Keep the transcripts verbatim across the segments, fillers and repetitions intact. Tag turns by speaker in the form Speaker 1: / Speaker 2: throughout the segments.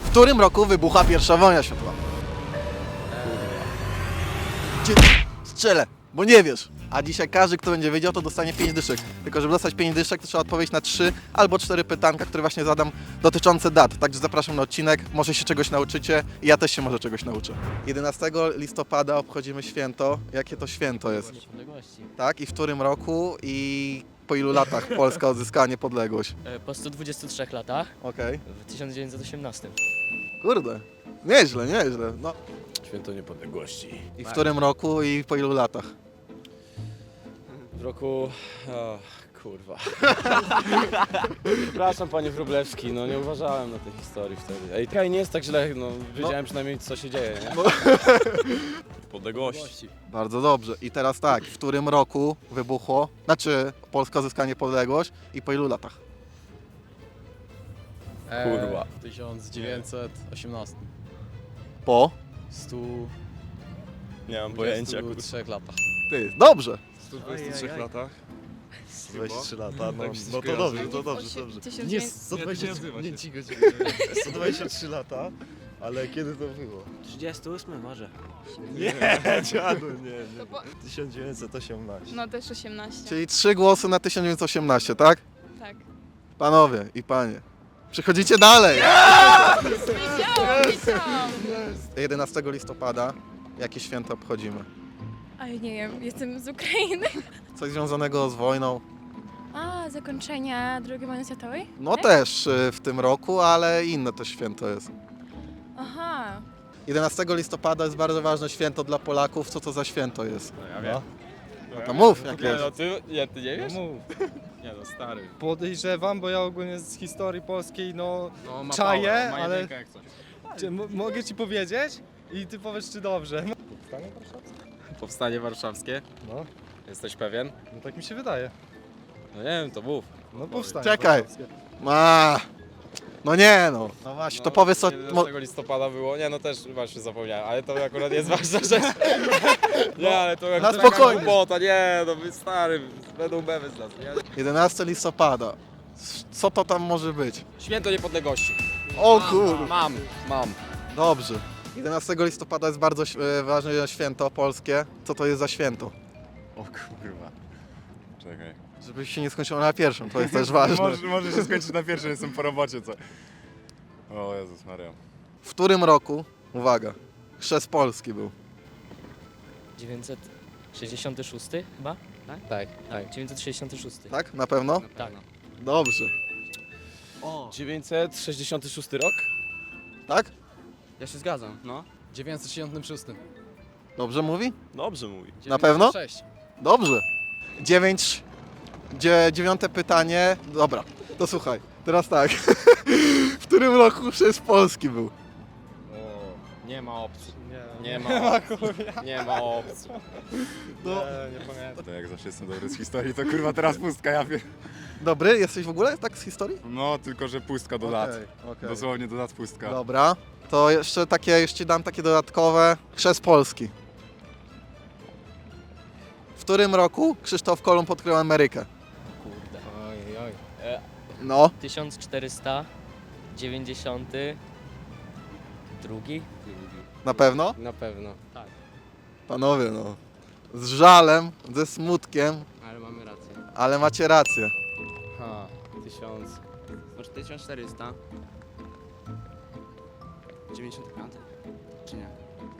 Speaker 1: W którym roku wybucha pierwsza wojna światowa? Cię strzelę, bo nie wiesz. A dzisiaj każdy, kto będzie wiedział, to dostanie pięć dyszek. Tylko żeby dostać pięć dyszek, to trzeba odpowiedzieć na trzy albo cztery pytanka, które właśnie zadam dotyczące dat. Także zapraszam na odcinek, może się czegoś nauczycie i ja też się może czegoś nauczę. jedenastego listopada obchodzimy święto. Jakie to święto jest?
Speaker 2: Niepodległości.
Speaker 1: Tak? I w którym roku i po ilu latach Polska odzyskała niepodległość?
Speaker 2: E, Po stu dwudziestu trzech latach
Speaker 1: Okej.
Speaker 2: w tysiąc dziewięćset osiemnastym.
Speaker 1: Kurde. Nieźle, nieźle. No.
Speaker 3: Święto Niepodległości.
Speaker 1: I w którym roku i po ilu latach?
Speaker 3: W roku... O, kurwa. Przepraszam panie Wróblewski, no nie uważałem na tej historii wtedy. Ej, kaj nie jest tak źle, no wiedziałem przynajmniej co się dzieje, nie? Podległości.
Speaker 1: Bardzo dobrze. I teraz tak, w którym roku wybuchło, znaczy Polska odzyskała niepodległość i po ilu latach?
Speaker 3: Kurwa.
Speaker 4: W tysiąc dziewięćset osiemnastym.
Speaker 1: Po?
Speaker 4: stu
Speaker 3: Nie mam pojęcia,
Speaker 4: dwudziestu
Speaker 3: kurwa.
Speaker 4: trzech latach.
Speaker 1: Ty, dobrze.
Speaker 5: W stu dwudziestu trzech latach? dwadzieścia trzy lata, no,
Speaker 3: Tak mi się
Speaker 5: no to
Speaker 3: skojarzy.
Speaker 5: dobrze, to dobrze, dobrze.
Speaker 6: Nie,
Speaker 5: sto dwadzieścia sto dwadzieścia trzy lata, ale kiedy to było?
Speaker 7: trzydziesty ósmy może.
Speaker 5: Nie, dziadu, nie, nie. tysiąc dziewięćset osiemnaście.
Speaker 6: No też osiemnaście.
Speaker 1: Czyli trzy głosy na tysiąc dziewięćset osiemnaście, tak?
Speaker 6: Tak.
Speaker 1: Panowie i panie. Przechodzicie dalej.
Speaker 6: Wiedziałam, wiedziałam.
Speaker 1: jedenastego listopada jakie święto obchodzimy?
Speaker 6: Ale nie wiem, jestem z Ukrainy.
Speaker 1: Coś związanego z wojną?
Speaker 6: A, zakończenia drugiej wojny światowej?
Speaker 1: No
Speaker 6: Tak?
Speaker 1: też y, w tym roku, ale inne też święto jest.
Speaker 6: Aha.
Speaker 1: jedenastego listopada jest bardzo ważne święto dla Polaków. Co to za święto jest?
Speaker 3: No ja wiem.
Speaker 1: No to mów, jak
Speaker 3: Nie
Speaker 1: jest.
Speaker 3: no, ty, nie, ty nie wiesz?
Speaker 4: mów.
Speaker 3: Nie no, stary.
Speaker 4: Podejrzewam, bo ja ogólnie z historii polskiej, no,
Speaker 3: No, ma
Speaker 4: Czaję,
Speaker 3: power, ma
Speaker 4: ale-
Speaker 3: jedynkę jak coś.
Speaker 4: czy, m- mogę ci powiedzieć i ty powiesz, czy dobrze.
Speaker 3: Powstanie warszawskie?
Speaker 4: No,
Speaker 3: Jesteś pewien?
Speaker 4: no tak mi się wydaje.
Speaker 3: No nie wiem, to mów.
Speaker 4: No powstanie.
Speaker 1: Czekaj.
Speaker 4: warszawskie.
Speaker 1: Ma. No nie no. No właśnie, to powiedz co... Mo...
Speaker 3: jedenastego listopada było, nie no też właśnie zapomniałem, ale to akurat jest ważna rzecz. Nie, ale to
Speaker 1: na
Speaker 3: akurat
Speaker 1: spokojnie.
Speaker 3: Głupota, nie, no wy stary, będą mewy z nas, nie?
Speaker 1: jedenastego listopada. Co to tam może być?
Speaker 3: Święto Niepodległości.
Speaker 1: O kur...
Speaker 3: Mam, mam.
Speaker 1: Dobrze. jedenastego listopada jest bardzo e, ważne święto polskie. Co to jest za święto?
Speaker 5: O kurwa. Czekaj.
Speaker 1: Żeby się nie skończyło na pierwszym, to jest też ważne.
Speaker 5: Może, może się skończyć na pierwszym, jestem po robocie, co? O Jezus Maria.
Speaker 1: W którym roku, uwaga, chrzest Polski był?
Speaker 2: dziewięćset sześćdziesiąty szósty chyba? Tak? Tak, tak. dziewięćset sześćdziesiąty szósty.
Speaker 1: Tak? Na pewno?
Speaker 2: Tak.
Speaker 1: Dobrze.
Speaker 3: dziewięćset sześćdziesiąty szósty rok?
Speaker 1: Tak?
Speaker 7: Ja się zgadzam, no.
Speaker 4: W dziewięćset sześćdziesiątym szóstym.
Speaker 1: Dobrze mówi?
Speaker 3: Dobrze mówi.
Speaker 1: Na pewno?
Speaker 4: sześć.
Speaker 1: Dobrze. Dziewięć... Dzie, dziewiąte pytanie. Dobra, to słuchaj. Teraz tak. W którym roku chrzest Polski był?
Speaker 3: Nie ma opcji.
Speaker 4: Nie,
Speaker 3: Nie ma opcji. Nie ma opcji.
Speaker 1: No.
Speaker 4: nie, nie pamiętam.
Speaker 5: To jak zawsze jestem dobry z historii, to kurwa teraz pustka, ja wiem.
Speaker 1: Dobry? Jesteś w ogóle tak z historii?
Speaker 5: No, tylko że pustka do lat.
Speaker 1: Okej, okej.
Speaker 5: Dosłownie do lat pustka.
Speaker 1: Dobra. To jeszcze takie, jeszcze dam takie dodatkowe. Chrzest Polski. W którym roku Krzysztof Kolumb odkrył Amerykę?
Speaker 2: Kurde.
Speaker 4: Oj, oj.
Speaker 1: No.
Speaker 2: tysiąc czterysta dziewięćdziesiąty drugi?
Speaker 1: Na pewno?
Speaker 7: Na pewno.
Speaker 1: Panowie, no. Z żalem, ze smutkiem,
Speaker 7: Ale mamy rację.
Speaker 1: ale macie rację.
Speaker 7: Ha, tysiąc... Może tysiąc czterysta? dziewięćdziesiąty piąty? Czy nie?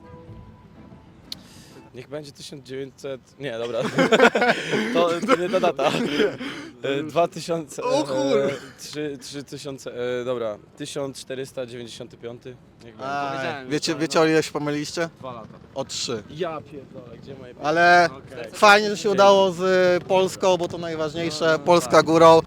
Speaker 3: Niech będzie tysiąc dziewięćset... Nie, dobra. To, to nie ta data. E, dwa tysiące...
Speaker 1: O kur-
Speaker 3: e, trzy- trzy tysiące... e, Dobra. tysiąc czterysta dziewięćdziesiąty piąty. Niech będzie.
Speaker 1: Aj,
Speaker 7: powiedziałem,
Speaker 1: wiecie,
Speaker 7: że to-
Speaker 1: wiecie o ile się pomyliliście?
Speaker 7: Dwa lata.
Speaker 1: O trzy.
Speaker 3: Ja pierdolę, gdzie moje...
Speaker 1: Ale
Speaker 7: Okej.
Speaker 1: fajnie, że się udało z y, Polską, bo to najważniejsze. Polska górą.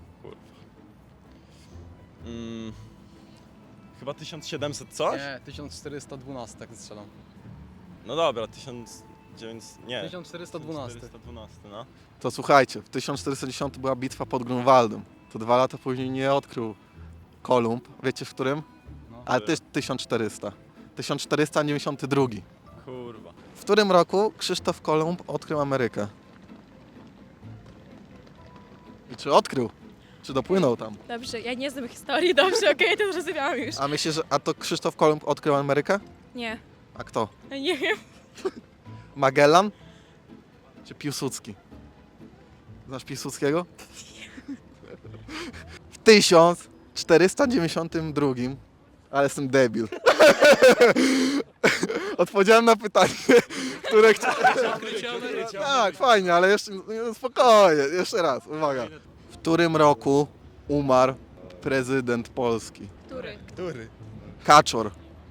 Speaker 3: Mm, chyba tysiąc siedemset coś?
Speaker 4: Nie, tysiąc czterysta dwanaście tak strzelam.
Speaker 3: No dobra, tysiąc dziewięćset... Nie.
Speaker 4: tysiąc czterysta dwanaście.
Speaker 3: czterysta dwanaście, no.
Speaker 1: To słuchajcie, w tysiąc czterysta dziesiątym była bitwa pod Grunwaldem. To dwa lata później nie odkrył Kolumb. Wiecie w którym?
Speaker 4: No.
Speaker 1: Ale też tysiąc czterysta. tysiąc czterysta dziewięćdziesiąty drugi.
Speaker 3: Kurwa.
Speaker 1: W którym roku Krzysztof Kolumb odkrył Amerykę? I czy odkrył? Czy dopłynął tam?
Speaker 6: Dobrze, ja nie znam historii, dobrze, okej, to zrozumiałam już.
Speaker 1: A myślisz, że a to Krzysztof Kolumb odkrył Amerykę?
Speaker 6: Nie,
Speaker 1: A kto?
Speaker 6: ja nie wiem.
Speaker 1: Magellan? Czy Piłsudski? Znasz Piłsudskiego? W tysiąc czterysta dziewięćdziesiątym drugim, ale jestem debil. Odpowiedziałem na pytanie, które chciałem. Tak, fajnie, ale jeszcze nie, spokojnie, jeszcze raz, uwaga. W którym roku umarł prezydent Polski?
Speaker 6: Który?
Speaker 5: Który?
Speaker 1: Kaczor.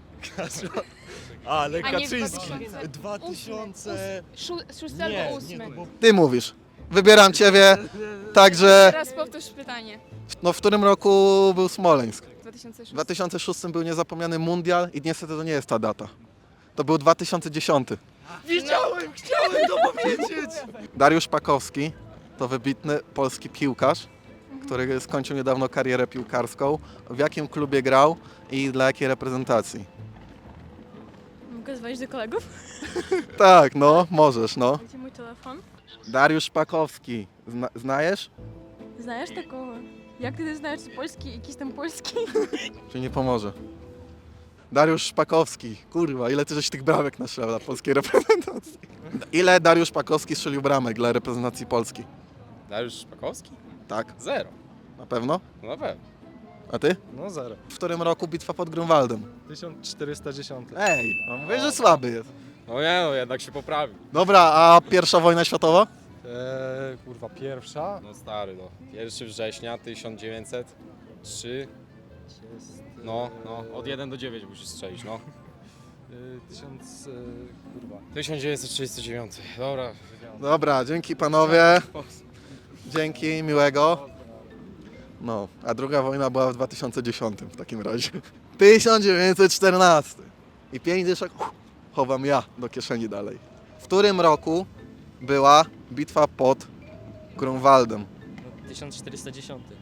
Speaker 5: Ale
Speaker 6: A nie
Speaker 5: Kaczyński.
Speaker 6: dwa tysiące
Speaker 5: Dwa tysiące...
Speaker 6: Szó- Szósty
Speaker 5: Nie,
Speaker 6: albo
Speaker 5: nie,
Speaker 6: ósmy.
Speaker 5: to było...
Speaker 1: Ty mówisz. Wybieram ciebie, także
Speaker 6: Teraz powtórz pytanie.
Speaker 1: no, w którym roku był Smoleńsk?
Speaker 6: dwa tysiące szósty.
Speaker 1: W dwa tysiące szóstym był niezapomniany mundial i niestety to nie jest ta data. To był dwa tysiące dziesiąty.
Speaker 5: Wiedziałem, chciałem to powiedzieć!
Speaker 1: Dariusz Pakowski to wybitny polski piłkarz, który skończył niedawno karierę piłkarską. W jakim klubie grał i dla jakiej reprezentacji?
Speaker 6: Mogę dzwonić do kolegów?
Speaker 1: Tak, no, możesz, no.
Speaker 6: Gdzie mój telefon?
Speaker 1: Dariusz Pakowski, Zna znajesz?
Speaker 6: Znajesz takogo? Jak ty znajesz polski, jakiś tam polski?
Speaker 1: Czy nie pomoże? Dariusz Szpakowski, kurwa, ile ty żeś tych bramek naszła dla polskiej reprezentacji? Ile Dariusz Szpakowski strzelił bramek dla reprezentacji Polski?
Speaker 3: Dariusz Szpakowski?
Speaker 1: Tak,
Speaker 3: Zero.
Speaker 1: na pewno?
Speaker 3: No na pewno.
Speaker 1: A ty?
Speaker 4: No zero.
Speaker 1: W którym roku bitwa pod Grunwaldem?
Speaker 4: tysiąc czterysta dziesiąt.
Speaker 1: Ej, no mówię, że słaby jest.
Speaker 3: No nie no, jednak się poprawił.
Speaker 1: Dobra, a pierwsza wojna światowa?
Speaker 4: Eee, kurwa, pierwsza.
Speaker 3: No stary, no. pierwszego września tysiąc dziewięćset trzy. No, no, od jeden do dziewięciu musisz strzelić, no.
Speaker 4: Eee, tysiąc... Eee, kurwa.
Speaker 3: tysiąc dziewięćset trzydziesty dziewiąty. Dobra.
Speaker 1: Dobra, dzięki panowie. Dzięki, miłego. No, a druga wojna była w dwa tysiące dziesiątym w takim razie. tysiąc dziewięćset czternasty. I pięć dyszek uff, chowam ja do kieszeni dalej. W którym roku była bitwa pod Grunwaldem?
Speaker 2: tysiąc czterysta dziesiąty.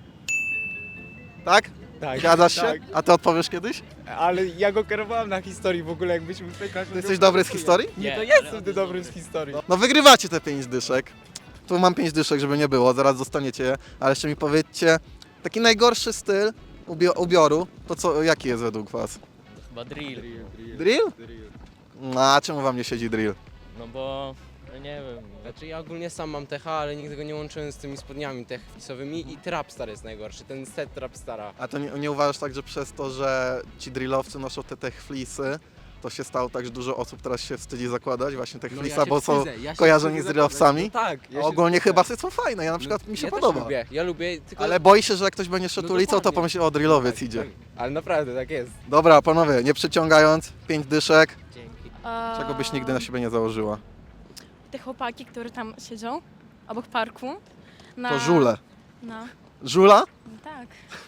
Speaker 1: Tak?
Speaker 8: Tak.
Speaker 1: Zgadzasz się?
Speaker 8: Tak.
Speaker 1: A ty odpowiesz kiedyś?
Speaker 8: Ale ja go kierowałem na historii w ogóle, jakbyśmy pytać.
Speaker 1: Ty jesteś dobry z historii?
Speaker 8: Nie, to jestem ty dobry z historii.
Speaker 1: No wygrywacie te pięć dyszek. Tu mam pięć dyszek, żeby nie było, zaraz dostaniecie je. Ale jeszcze mi powiedzcie, taki najgorszy styl ubio- ubioru, to co, jaki jest według was?
Speaker 2: Chyba drill.
Speaker 1: Drill? No, a czemu wam nie siedzi drill?
Speaker 2: No bo, no nie wiem.
Speaker 7: Znaczy ja ogólnie sam mam techa, ale nigdy go nie łączyłem z tymi spodniami techflisowymi i Trapstar jest najgorszy, ten set Trapstara.
Speaker 1: A to nie, nie uważasz tak, że przez to, że ci drillowcy noszą te tech fleecy, to się stało tak, że dużo osób teraz się wstydzi zakładać właśnie tech fleece'a, bo są kojarzeni z drillowcami?
Speaker 7: No tak.
Speaker 1: A ogólnie chyba są fajne, ja na przykład mi się
Speaker 7: ja
Speaker 1: podoba.
Speaker 7: Też lubię, ja lubię, tylko...
Speaker 1: Ale boi się, że jak ktoś będzie szedł
Speaker 7: No
Speaker 1: ulicą, to
Speaker 7: dokładnie.
Speaker 1: pomyśli, o drillowiec
Speaker 7: Tak,
Speaker 1: idzie.
Speaker 7: tak. Ale naprawdę, tak jest.
Speaker 1: Dobra, panowie, nie przeciągając, pięć dyszek,
Speaker 2: Dzięki.
Speaker 6: A,
Speaker 1: czego byś nigdy na siebie nie założyła?
Speaker 6: Te chłopaki, które tam siedzą, obok parku. Na...
Speaker 1: To żule.
Speaker 6: No,
Speaker 1: Żula?
Speaker 6: no tak.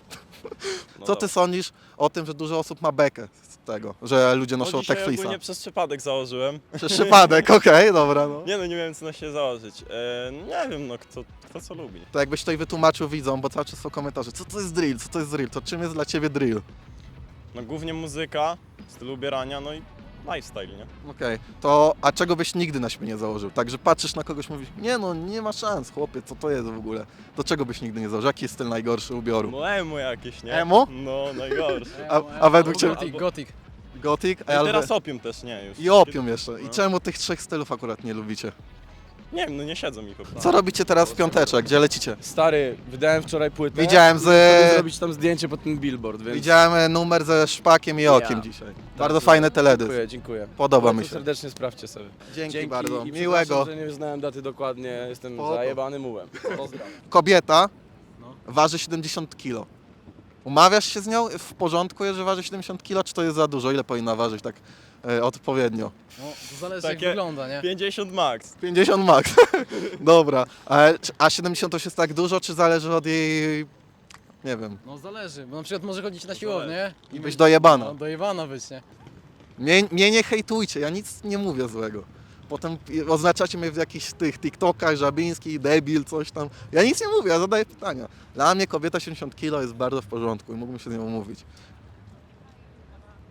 Speaker 1: Co ty sądzisz o tym, że dużo osób ma bekę z tego, że ludzie noszą
Speaker 9: No dzisiaj
Speaker 1: tech fleece'a?
Speaker 9: ogólnie przez przypadek założyłem.
Speaker 1: Przez przypadek, okej, dobra, no.
Speaker 9: Nie no, nie wiem co na się założyć. E, nie wiem, no kto, kto co lubi.
Speaker 1: To jakbyś tutaj wytłumaczył widzom, bo cały czas są komentarze, co to jest drill, co to jest drill, to czym jest dla ciebie drill?
Speaker 9: No głównie muzyka, styl ubierania, no i lifestyle, nie?
Speaker 1: Okej, to a czego byś nigdy na siebie nie założył? Także patrzysz na kogoś, mówisz, nie no, nie ma szans, chłopie, co to jest w ogóle? To czego byś nigdy nie założył? Jaki jest styl najgorszy ubioru?
Speaker 9: No emo jakieś, nie?
Speaker 1: Emo?
Speaker 9: No, najgorsze.
Speaker 1: A, a według ciebie
Speaker 3: Gothic, Gothic.
Speaker 1: Gothic?
Speaker 9: I
Speaker 1: Albo-
Speaker 9: teraz opium też, nie już.
Speaker 1: I opium jeszcze. I
Speaker 9: No.
Speaker 1: czemu tych trzech stylów akurat nie lubicie?
Speaker 9: Nie wiem, no nie siedzą mi po prostu.
Speaker 1: Co robicie teraz w piąteczek? Gdzie lecicie?
Speaker 3: Stary, wydałem wczoraj płytę.
Speaker 1: Widziałem
Speaker 3: i chcę
Speaker 1: z...
Speaker 3: zrobić tam zdjęcie pod ten billboard, więc...
Speaker 1: Widziałem e, numer ze szpakiem i okiem
Speaker 3: Ja.
Speaker 1: dzisiaj. Bardzo fajny teledysk.
Speaker 3: Dziękuję, dziękuję.
Speaker 1: Podoba
Speaker 3: Bardzo
Speaker 1: mi się.
Speaker 3: serdecznie sprawdźcie sobie.
Speaker 1: Dzięki, bardzo.
Speaker 3: i
Speaker 1: Miłego.
Speaker 3: przepraszam, że nie znałem daty dokładnie, jestem
Speaker 1: Spoko.
Speaker 3: zajebany mułem. Pozdrawiam.
Speaker 1: Kobieta waży siedemdziesiąt kilo. Umawiasz się z nią w porządku, że waży siedemdziesiąt kilo, czy to jest za dużo? Ile powinna ważyć tak e, odpowiednio?
Speaker 4: No, to zależy
Speaker 9: Takie-
Speaker 4: jak wygląda, nie?
Speaker 9: pięćdziesiąt max.
Speaker 1: pięćdziesiąt max. Dobra. A, a siedemdziesiąt to już jest tak dużo, czy zależy od jej... Nie wiem.
Speaker 4: No zależy, bo na przykład może chodzić na siłownię
Speaker 1: I być dojebana.
Speaker 4: No, dojebana być, nie?
Speaker 1: Mnie, mnie nie hejtujcie, ja nic nie mówię złego. Potem oznaczacie mnie w jakichś tych TikTokach, Żabiński, debil, coś tam. Ja nic nie mówię, ja zadaję pytania. Dla mnie kobieta siedemdziesiąt kilo jest bardzo w porządku i mógłbym się z nią umówić.